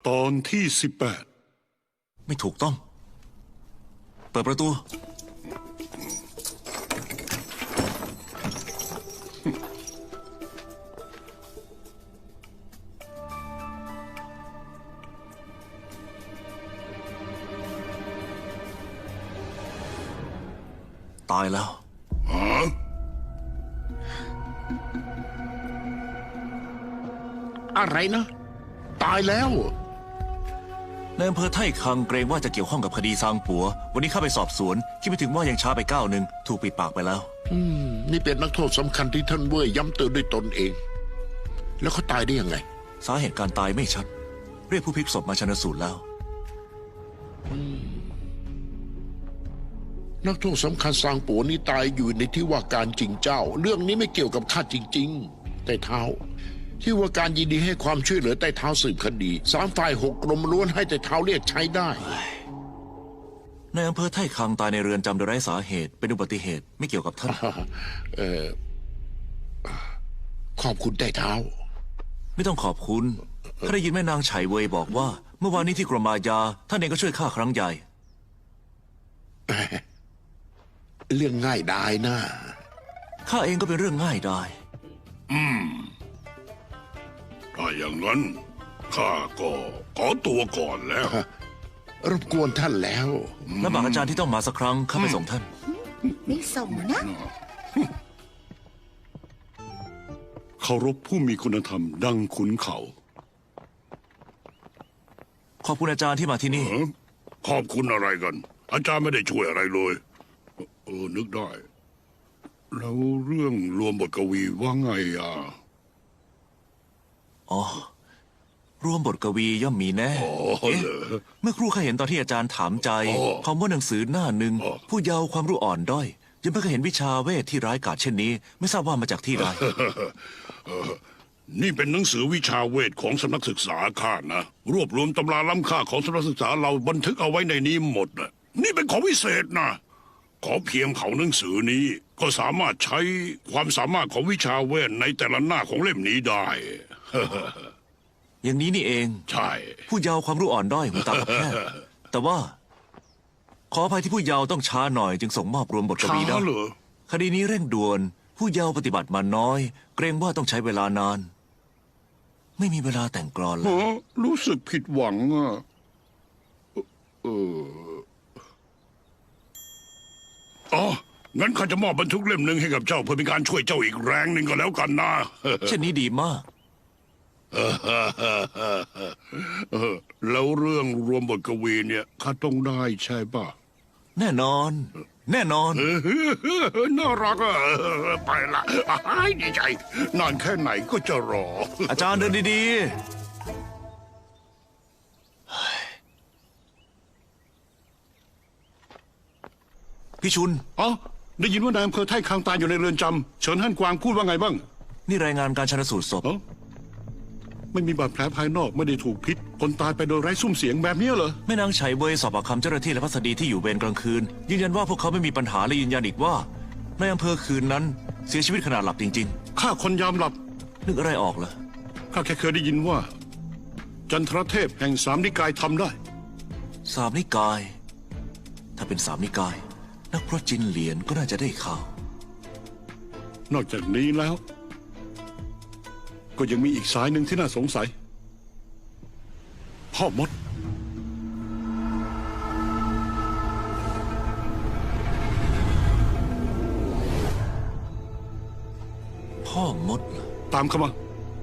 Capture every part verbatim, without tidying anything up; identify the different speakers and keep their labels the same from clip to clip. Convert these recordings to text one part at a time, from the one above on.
Speaker 1: ตอนที่สิบแปด
Speaker 2: ไม่ถูกต้องเปิดประตูตายแล้ว
Speaker 1: อะไรนะตายแล้ว
Speaker 2: ในอำเภอไท่คังเกรงว่าจะเกี่ยวข้องกับคดีซางปัววันนี้เข้าไปสอบสวนคิดไม่ถึงว่ายังช้าไปก้าวหนึ่งถูกปิดปากไปแล้ว
Speaker 1: อืมนี่เป็นนักโทษสำคัญที่ท่านเว่ยย้ำเตือนด้วยตนเองแล้วเขาตายได้ยังไง
Speaker 2: สาเหตุการตายไม่ชัดเรียกผู้พลิกศพมาชันสูตรแล้ว
Speaker 1: นักโทษสำคัญซางปัวนี่ตายอยู่ในที่ว่าการจริงเจ้าเรื่องนี้ไม่เกี่ยวกับข้าจริงๆแต่เท้าที่ว่าการยินดีให้ความช่วยเหลือใต้เท้าสืบคดีสามฝ่ายหกกรมล้วนให้ใต้เท้าเรียกใช้ได้
Speaker 2: ในอำเภอไท่คังตายในเรือนจำโดยไร้สาเหตุเป็นอุบัติเหตุไม่เกี่ยวกับท่าน
Speaker 1: เออขอบคุณใต้เท้า
Speaker 2: ไม่ต้องขอบคุณข้าได้ยินแม่นางไฉเว่ยบอกว่าเมื่อวานนี้ที่กรมอาญาท่านเองก็ช่วยข้าครั้งใหญ่
Speaker 1: เรื่องง่ายดายนะ
Speaker 2: ข้าเองก็เป็นเรื่องง่ายดาย
Speaker 3: อืมถ้าอย่างนั้นข้าก็ขอตัวก่อนแล้ว
Speaker 1: รบกวนท่านแล้ว
Speaker 2: และบากอาจารย์ที่ต้องมาสักครั้งข้าไปส่งท่าน
Speaker 4: ไม่ส่งนะ
Speaker 1: เคารพผู้มีคุณธรรมดังขุนเขา
Speaker 2: ขอบคุณอาจารย์ที่มาที่นี่
Speaker 3: ขอบคุณอะไรกันอาจารย์ไม่ได้ช่วยอะไรเลยเออนึกได้แล้วเรื่องรวมบทกวีว่าไงอ่ะ
Speaker 2: อ๋อรวมบทกวีย่อมมีแน่เอ๊ะเมื่อครู่ข้าเห็นตอนที่อาจารย์ถามใจคำว่าหนังสือหน้าหนึ่งผู้เยาว์ความรู้อ่อนด้อยยังไม่เคยเห็นวิชาเวทที่ร้ายกาจเช่นนี้ไม่ทราบว่ามาจากที่ใด
Speaker 3: นี่เป็นหนังสือวิชาเวทของสำนักศึกษาข้านะรวบรวมตำราล้ำค่าของสำนักศึกษาเราบันทึกเอาไว้ในนี้หมดนะนี่เป็นของวิเศษนะขอเพียงเขาหนังสือนี้ก็สามารถใช้ความสามารถของวิชาเวทในแต่ละหน้าของเล่มนี้ได้
Speaker 2: อย่างนี้นี่เอง
Speaker 3: ใช่
Speaker 2: ผู้เยาว์ความรู้อ่อนด้อยหูตากับแพทย์แต่ว่าขออภัยที่ผู้เยาว์ต้องช้าหน่อยจึงส่งมอบรวมบทกวีได้คดีนี้เร่งด่วนผู้เยาว์ปฏิบัติมาน้อยเกรงว่าต้องใช้เวลานานไม่มีเวลาแต่งกลอนเลย
Speaker 3: รู้สึกผิดหวังอ่ะเอออ๋องั้นข้าจะมอบบันทึกเล่มหนึ่งให้กับเจ้าเพื่อเป็นการช่วยเจ้าอีกแรงหนึ่งก็แล้วกันนะ
Speaker 2: เช่นนี้ดีมาก
Speaker 3: แล้วเรื่องรวมบทกวีเนี่ยข้าต้องได้ใช่ป่ะ
Speaker 2: แน่นอนแน่นอน
Speaker 3: น่ารักอ่ะไปละดีใจนานแค่ไหนก็จะรอ
Speaker 2: อาจารย์เดินดีๆพี่ชุน
Speaker 1: อ๋อได้ยินว่านายอำเภอไท่คังตายอยู่ในเรือนจำเฉินฮั่นกวางพูดว่าไงบ้าง
Speaker 2: นี่รายงานการชันสูตรศพ
Speaker 1: ไม่มีบาดแผลภายนอกไม่ได้ถูกพิษคนตายไปโดยไร้ซุ้มเสียงแบบนี้เหรอ
Speaker 2: แม่นางไฉเว่ยสอบปากคำเจ้าหน้าที่และพัสดีที่อยู่เวรกลางคืนยืนยันว่าพวกเขาไม่มีปัญหาและยืนยันอีกว่าในอำเภอคืนนั้นเสียชีวิตขณะหลับจริง
Speaker 1: ๆข้าคนยามหลับ
Speaker 2: นึกอะไรออกเหรอ
Speaker 1: ข้าแค่เคยได้ยินว่าจันทรเทพแห่งสามนิกายทำได้
Speaker 2: สามนิกายถ้าเป็นสามนิกายนักพรตจินเหลียนก็น่าจะได้ข่า
Speaker 1: วนอกจากนี้แล้วก็ยังมีอีกสายหนึ่งที่น่าสงสัยพ่อมด
Speaker 2: พ่อมด
Speaker 1: ตามเข้ามา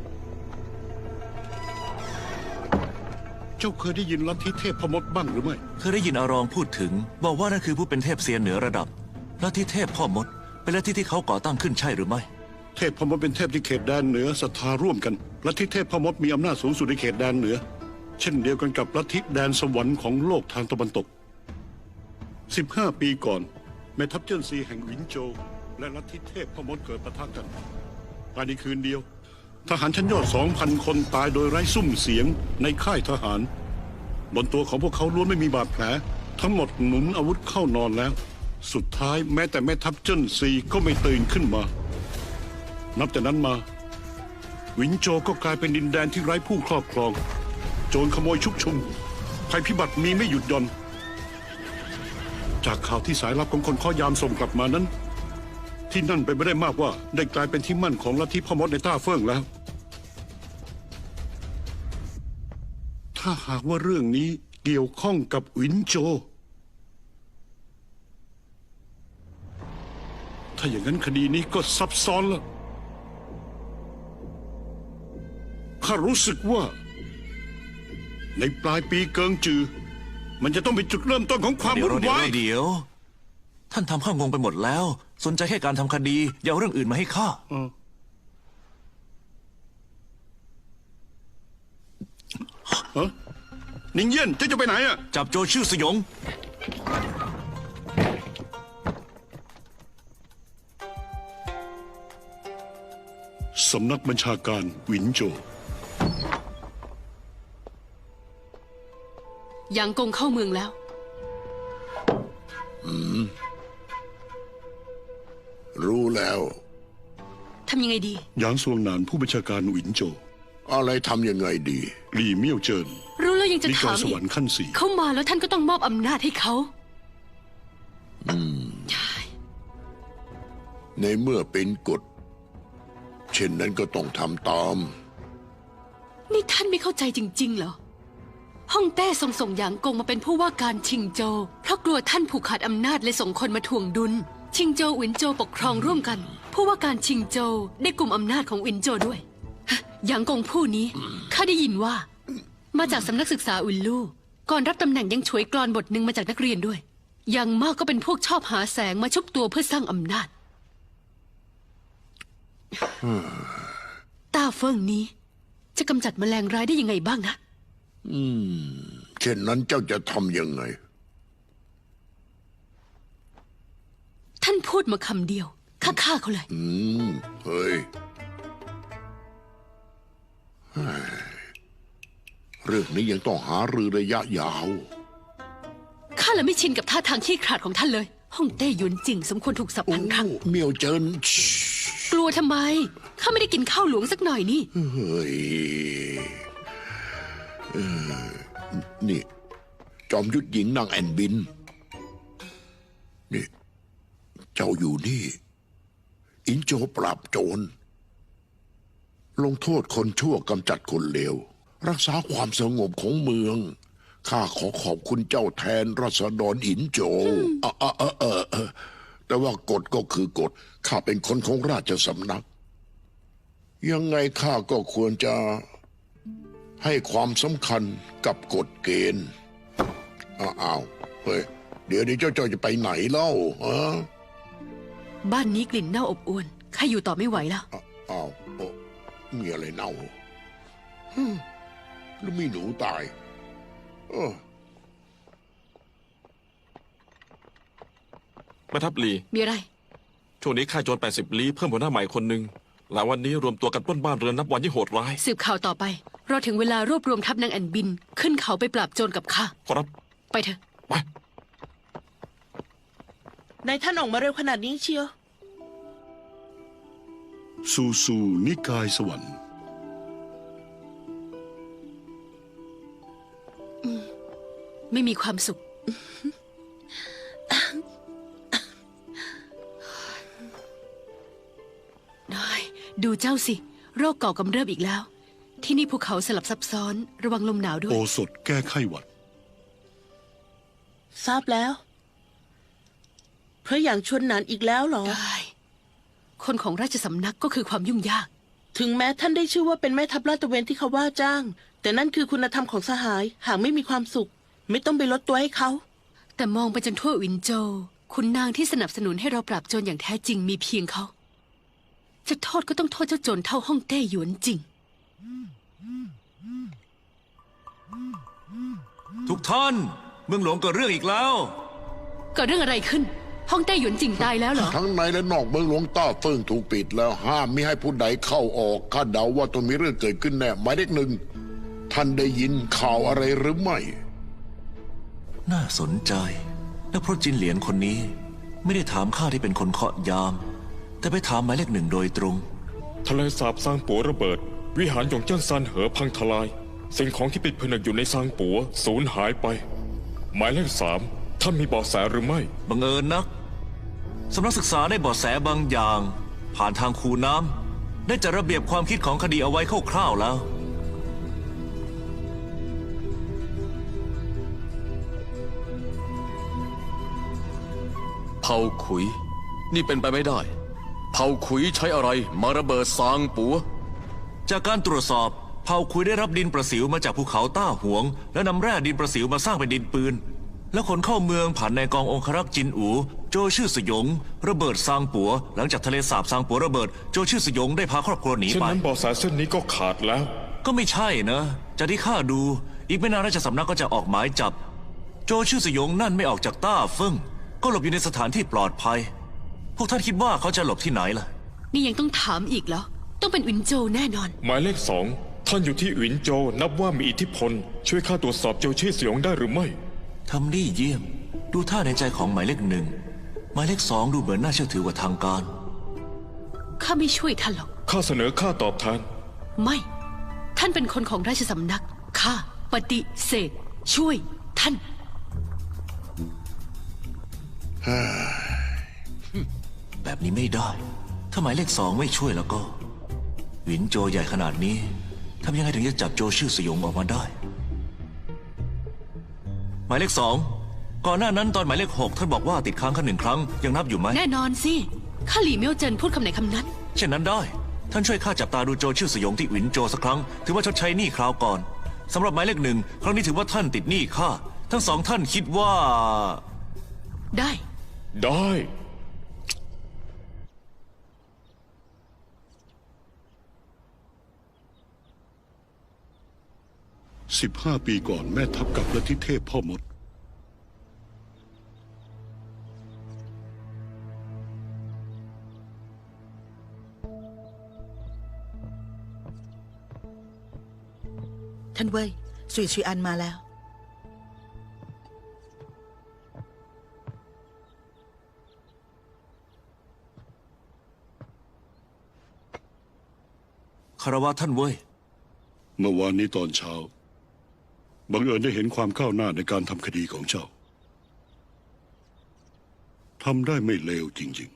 Speaker 1: เจ้าเคยได้ยินลัทธิเทพพ่อมดบ้างหรือไม่
Speaker 2: เคยได้ยินอารองพูดถึงบอกว่านั่นคือผู้เป็นเทพเซียนเหนือระดับลัทธิเทพพ่อมดเป็นลัทธิที่เขาก่อตั้งขึ้นใช่หรือไม่
Speaker 1: เทพพ่อมดเป็นเทพที่เขตแดนเหนือศรัทธาร่วมกันลัทธิเทพพ่อมดมีอำนาจสูงสุดในเขตแดนเหนือเช่นเดียวกันกับลัทธิแดนสวรรค์ของโลกทางตะวันตกสิบห้าปีก่อนแม่ทัพเจิ้นซีแห่งหวินโจวและลัทธิเทพพ่อมดเกิดปะทะกันภายในคืนเดียวทหารชั้นยอด สองพัน คนตายโดยไร้ซุ้มเสียงในค่ายทหารบนตัวของพวกเขาล้วนไม่มีบาดแผลทั้งหมดหนุนอาวุธเข้านอนแล้วสุดท้ายแม้แต่แม่ทัพเจิ้นซีก็ไม่ตื่นขึ้นมานับแต่นั้นมาหวินโจวก็กลายเป็นดินแดนที่ไร้ผู้ครอบครองโจรขโมยชุกชุมภัยพิบัติมีไม่หยุดหย่อน จากข่าวที่สายลับของคนข้อยามส่งกลับมานั้น ที่นั่นไปนไม่ได้มากว่าได้กลายเป็นที่มั่นของลัทธิพ่อมดในต้าเฟิ่งแล้ว ถ้าหากว่าเรื่องนี้เกี่ยวข้องกับหวินโจ ถ้าอย่างนั้นคดีนี้ก็ซับซ้อนละข้ารู้สึกว่า ในปลายปีเกิงจือ มันจะต้องเป็นจุดเริ่มต้นของความ
Speaker 2: เดี๋ยว
Speaker 1: วุ่น
Speaker 2: เดี๋ยว
Speaker 1: วาย
Speaker 2: เดี๋ยว ท่านทำข้างงไปหมดแล้ว สนใจแค่การทำคดีอย่าเอาเรื่องอื่นมาให้ข้า
Speaker 1: ฮะนิงเยี่ยนเจ้าจะไปไหนอ่ะ
Speaker 2: จับโจรชื่อสยง
Speaker 1: สำนักบัญชาการหวินโจ
Speaker 5: หยางกงเข้าเมืองแล้ว
Speaker 6: รู้แล้ว
Speaker 5: ทำยังไงดี
Speaker 1: หยางซวงหนานผู้บัญชาการหวินโจ
Speaker 6: อะไรทำยังไงดี
Speaker 1: หลี่เมี่ยวเจิน
Speaker 5: รู้แล้วยังจะ
Speaker 1: นิกา
Speaker 5: ถาย ม
Speaker 1: ส
Speaker 5: อี
Speaker 1: วร
Speaker 5: ก
Speaker 1: รค์ขั้นสี่
Speaker 5: เข้ามาแล้วท่านก็ต้องมอบอำนาจให้เขาใช่
Speaker 6: ในเมื่อเป็นกฎ เช่นนั้นก็ต้องทำตาม
Speaker 5: นี่ท่านไม่เข้าใจจริง ๆ เหรอ ฮ่องแต้ส่งส่งหยางกงมาเป็นผู้ว่าการชิงโจวเพราะกลัวท่านผูกขาดอำนาจเลยส่งคนมาถ่วงดุล ชิงโจวหวินโจวปกครองร่วมกัน ผู้ว่าการชิงโจวได้กลุ่มอำนาจของหวินโจวด้วยฮะหยางกงผู้นี้ข้าได้ยินว่า มาจากสำนักศึกษาอุนลู่ก่อนรับตำแหน่งยังฉวยกลอนบทหนึ่งมาจากนักเรียนด้วย อย่างมากก็เป็นพวกชอบหาแสงมาชุบตัวเพื่อสร้างอำนาจต้าเฟิงนี้ จะกำจัดแมลงร้ายได้ยังไงบ้างนะ
Speaker 6: เช่นนั้นเจ้าจะทำยังไง
Speaker 5: ท่านพูดมาคำเดียวข้าฆ่าเขาเลย
Speaker 6: อืม เฮ้ย เรื่องนี้ยังต้องหารือระยะยาว
Speaker 5: ข้าเลยไม่ชินกับท่าทางขี้ขลาดของท่านเลยฮ่องเต้หยวนจิงสมควรถูกสับพันครั้ง
Speaker 6: เมียวเจิน
Speaker 5: กลัวทำไมข้าไม่ได้กินข้าวหลวงสักหน่อยนี่
Speaker 6: เฮ้ยเอ่อนี่ จอมยุทธหญิงนางแอนบิน นี่ เจ้าอยู่นี่ อินโจปราบโจร ลงโทษคนชั่วกำจัดคนเลว รักษาความสงบของเมือง ข้าขอขอบคุณเจ้าแทนรัษฎรอินโจเออเออเออเออเออแต่ว่ากฎก็คือกฎ ข้าเป็นคนของราชสำนัก ยังไงข้าก็ควรจะให้ความสำคัญกับกฎเกณฑ์ อ้าวเฮ้ย เดี๋ยวนี้เจ้าเจ้าจะไปไหนเล่าฮะ
Speaker 5: บ้านนี้กลิ่นเน่าอบอวนข้าอยู่ต่อไม่ไหวแล้ว
Speaker 6: อ้าวโอ้มีอะไรเน่าหรือมีหนูตายเออ
Speaker 7: แม่ทัพลี
Speaker 5: มีอะไร
Speaker 7: ช่วงนี้ค่ายโจรแปดสิบลี้เพิ่มหัวหน้าใหม่คนหนึ่งหลายวันนี้รวมตัวกันปล้นบ้านเรือนนับวันยิ่งโหดร้าย
Speaker 5: สืบข่าวต่อไปรอถึงเวลารวบรวมทัพนางแอนบิน ขึ้นเขาไปปราบโจรกับข้า
Speaker 7: ขอรับ
Speaker 5: ไปเถอะ
Speaker 7: ไป
Speaker 8: นายท่านออกมาเร็วขนาดนี้เชียว
Speaker 1: ซูซูนิกายสวรรค์
Speaker 5: ไม่มีความสุข น้อย ดูเจ้าสิ โรคเก่ากำเริบอีกแล้ว ที่นี่ภูเขาสลับซับซ้อน ระวังลมหนาวด้ว
Speaker 1: โอย สถแก้ไข้หวัด
Speaker 8: ทราบแล้ว เพราะอย่างชวนหนานอีกแล้วเหรอ
Speaker 5: ได้ คนของราชสำนักก็คือความยุ่งยาก
Speaker 8: ถึงแม้ท่านได้ชื่อว่าเป็นแม่ทัพลาดตระเวนที่เขาว่าจ้าง แต่นั่นคือคุณธรรมของสหาย หากไม่มีความสุข ไม่ต้องไปลดตัวให้เขา
Speaker 5: แต่มองไปจนทั่ววินโจวคุณนางที่สนับสนุนให้เราปราบโจรอย่างแท้จริงมีเพียงเขา จะโทษก็ต้องโทษเจ้าโจรเท่าฮ่องเต้หยวนจริง
Speaker 2: ทุกท่าน เมืองหลวงเกิดเรื่องอีกแล้ว
Speaker 5: เกิดเรื่องอะไรขึ้น ฮ่องเต้หยวนจริงตายแล้วเหรอ
Speaker 6: ทั้งในและนอกเมืองหลวงต้าเฟิงถูกปิดแล้วห้ามไม่ให้ผู้ใดเข้าออกข้าเดาว่าต้องมีเรื่องเกิดขึ้นแน่หมายเลขหนึ่งท่านได้ยินข่าวอะไรหรือไม่
Speaker 2: น่าสนใจนักพรตจินเหลียนคนนี้ ไม่ได้ถามข้าที่เป็นคนเคาะยาม แต่ไปถามหมายเลขหนึ่งโดยตรง
Speaker 9: ทะเลสาบซางปัวระเบิด วิหารหยงเจิ้นซานเหอพังทลายสิ่งของที่ปิดผนึกอยู่ในซางปัวสูญหายไป หมายเลขสามท่านมีเบาะแสหรือไม่
Speaker 2: บังเอิญนักสำนักศึกษาได้เบาะแสบางอย่าง ผ่านทางคูน้ำได้จัดระเบียบความคิดของคดีเอาไว้คร่าวๆแล้ว
Speaker 10: เผาขุย นี่เป็นไปไม่ได้ เผาขุยใช้อะไรมาระเบิดซางปัว
Speaker 2: จากการตรวจสอบเผ่าคุยได้รับดินประสิวมาจากภูเขาต้าหวง และนำแร่ดินประสิวมาสร้างเป็นดินปืน แล้วขนเข้าเมืองผ่านในกององครักษ์จินอูโจชื่อสยง ระเบิดซางปัว หลังจากทะเลสาบซางปัวระเบิดโจชื่อสยงได้พาครอบครัวหนี
Speaker 9: เช่น
Speaker 2: ไป
Speaker 9: นั้นเบาะแสเส้นนี้ก็ขาดแล้ว
Speaker 2: ก็ไม่ใช่นะจากที่ข้าดู อีกไม่นานราชสำนักก็จะออกหมายจับ โจชื่อสยงนั่นไม่ออกจากต้าเฟิ่งก็หลบอยู่ในสถานที่ปลอดภัย พวกท่านคิดว่าเขาจะหลบที่ไหนล่ะ
Speaker 5: นี่ยังต้องถามอีกเหรอ ต้องเป็นวินโจแน่นอน
Speaker 9: หมายเลขสองท่านอยู่ที่หวินโจวนับว่ามีอิทธิพล ช่วยข้าตรวจสอบโจชี่สยองได้หรือไม่
Speaker 2: ทำได้เยี่ยม ดูท่าในใจของหมายเลขหนึ่งหมายเลขสองดูเหมือนน่าเชื่อถือกว่าทางการ
Speaker 5: ข้าไม่ช่วยท่านหรอก
Speaker 9: ข้าเสนอค่าตอบแทน
Speaker 5: ไม่ ท่านเป็นคนของราชสำนัก ข้าปฏิเสธ ช่วยท่าน
Speaker 2: แบบนี้ไม่ได้ ถ้าหมายเลขสองไม่ช่วยแล้วก็ หวินโจใหญ่ขนาดนี้ทำยังไงถึงจะจับโจชื่อสยองออกมาได้ หมายเลขสองก่อนหน้านั้นตอนหมายเลขหกท่านบอกว่าติดค้างแค่หนึ่งครั้งยังนับอยู่ไหม
Speaker 5: แน่นอนสิ ข้าหลี่เมียวเจินพูดคำไหนคำนั้น
Speaker 2: เช่นนั้นได้ ท่านช่วยข้าจับตาดูโจชื่อสยองที่หวินโจสักครั้งถือว่าชดใช้หนี้คราวก่อนสำหรับหมายเลขหนึ่งครั้งนี้ถือว่าท่านติดหนี้ข้าทั้งสองท่านคิดว่า
Speaker 5: ได้
Speaker 9: ได้
Speaker 1: สิบห้าปีก่อนแม่ทัพกับลัทธิเทพพ่อมด
Speaker 11: ท่านเว่ยสุยชุยอันมาแล้ว
Speaker 2: คารวะท่านเว้ย
Speaker 1: เมื่อวานนี้ตอนเช้าบังเอิญได้เห็นความก้าวหน้าในการทำคดีของเจ้าทำได้ไม่เลวจริง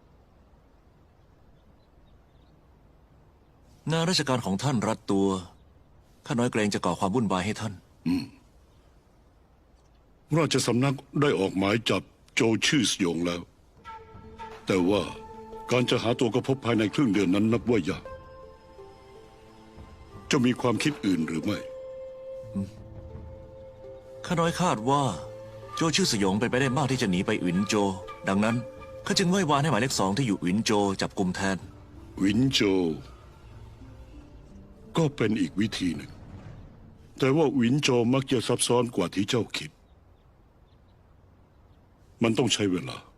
Speaker 2: งานราชการของท่านรัดตัวข้าน้อยเกรงจะก่อความวุ่นวายให้ท่าน
Speaker 1: ๆ ราชสำนักได้ออกหมายจับโจชื่อสยองแล้ว แต่ว่าการจะหาตัวก็พบภายในครึ่งเดือนนั้นนับว่ายากจะมีความคิดอื่นหรือไม่
Speaker 2: ข้าน้อยคาดว่าโจชื่อสยองเป็นไปได้มากที่จะหนีไปหวินโจ ดังนั้นข้าจึงไหว้วานให้หมายเลขสองที่อยู่หวินโจจับกลุ่มแทน
Speaker 1: วินโจ ก็เป็นอีกวิธีหนึ่ง แต่ว่าวินโจมักจะซับซ้อนกว่าที่เจ้าคิด มันต้องใช้เวลา